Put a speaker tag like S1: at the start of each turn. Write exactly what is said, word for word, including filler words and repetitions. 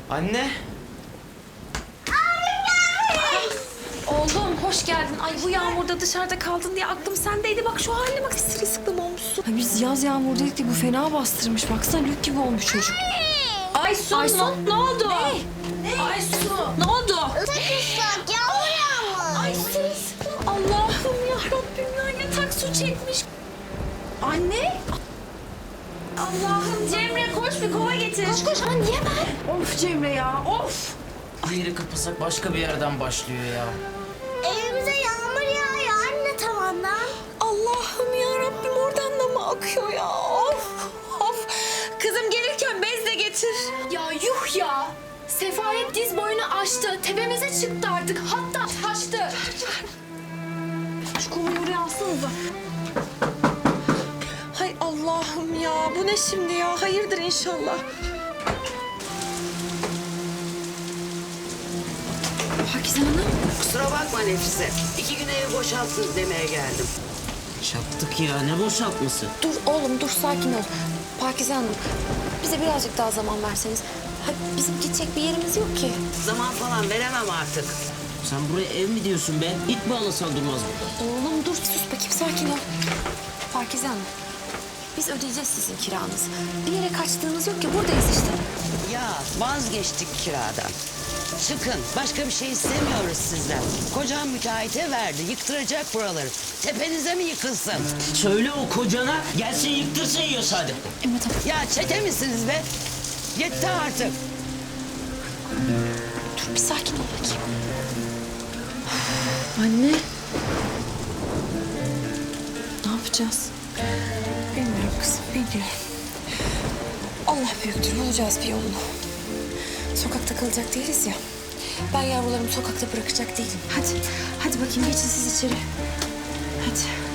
S1: Anne.
S2: Oğlum hoş geldin. Ay bu yağmurda dışarıda kaldın diye aklım sendeydi. Bak şu haline bak, sırılsıklam olmuşsun.
S3: Ha, biz yaz yağmur dedik de bu fena bastırmış. Baksana lük gibi olmuş çocuk.
S2: Aysun,
S3: Aysun.
S2: Ne, ne oldu? Ne? ne? Aysun ne oldu?
S4: Islak ıslak yağmur yağmış.
S2: Ay sırılsıklam. Allah'ım ya Rabbim ya, yatak su çekmiş. Anne. Allah'ım Cemre koş bir kova getir. Koş koş. Aa, niye ben?
S3: Of Cemre ya of.
S1: Bir yeri kapasak başka bir yerden başlıyor ya.
S4: Evimize yağmur yağıyor anne tavandan.
S2: Allah'ım ya Rabbim, oradan da mı akıyor ya? Of of. Kızım gelirken bez de getir.
S5: Ya yuh ya! Sefalet diz boyunu aştı. Tepemize çıktı artık. Hatta taştı.
S2: Şu kovayı oraya alsanıza. Hay Allah'ım ya, bu ne şimdi ya? Hayırdır inşallah.
S3: Pakize Hanım.
S6: Kusura bakma Nefise. İki gün evi boşalttın demeye geldim.
S1: Çattık ya, ne boşaltması?
S3: Dur oğlum dur, sakin ol. Pakize Hanım, bize birazcık daha zaman verseniz. Ha, bizim gidecek bir yerimiz yok ki.
S6: Zaman falan veremem artık.
S1: Sen buraya ev mi diyorsun be? İt mi alasan durmaz mı?
S3: Oğlum dur, sus bakayım, sakin ol. Pakize Hanım, biz ödeyeceğiz sizin kiranızı. Bir yere kaçtığınız yok ki, buradayız işte.
S6: Ya vazgeçtik kiradan. Çıkın. Başka bir şey istemiyoruz sizden. Kocam müteahhite verdi. Yıktıracak buraları. Tepenize mi yıkılsın?
S1: Söyle o kocana, gelsin yıktırsın yiyorsa hadi.
S3: Emre tamam.
S6: Ya çete misiniz be? Yetti artık.
S3: Dur bir sakin ol bakayım. Anne. Ne yapacağız?
S2: Bilmiyorum kızım, bilmiyorum. Allah büyüktür, bulacağız bir yolunu.
S3: Sokakta kalacak değiliz ya. Ben yavrularımı sokakta bırakacak değilim. Hadi, hadi bakayım geçin siz içeri. Hadi.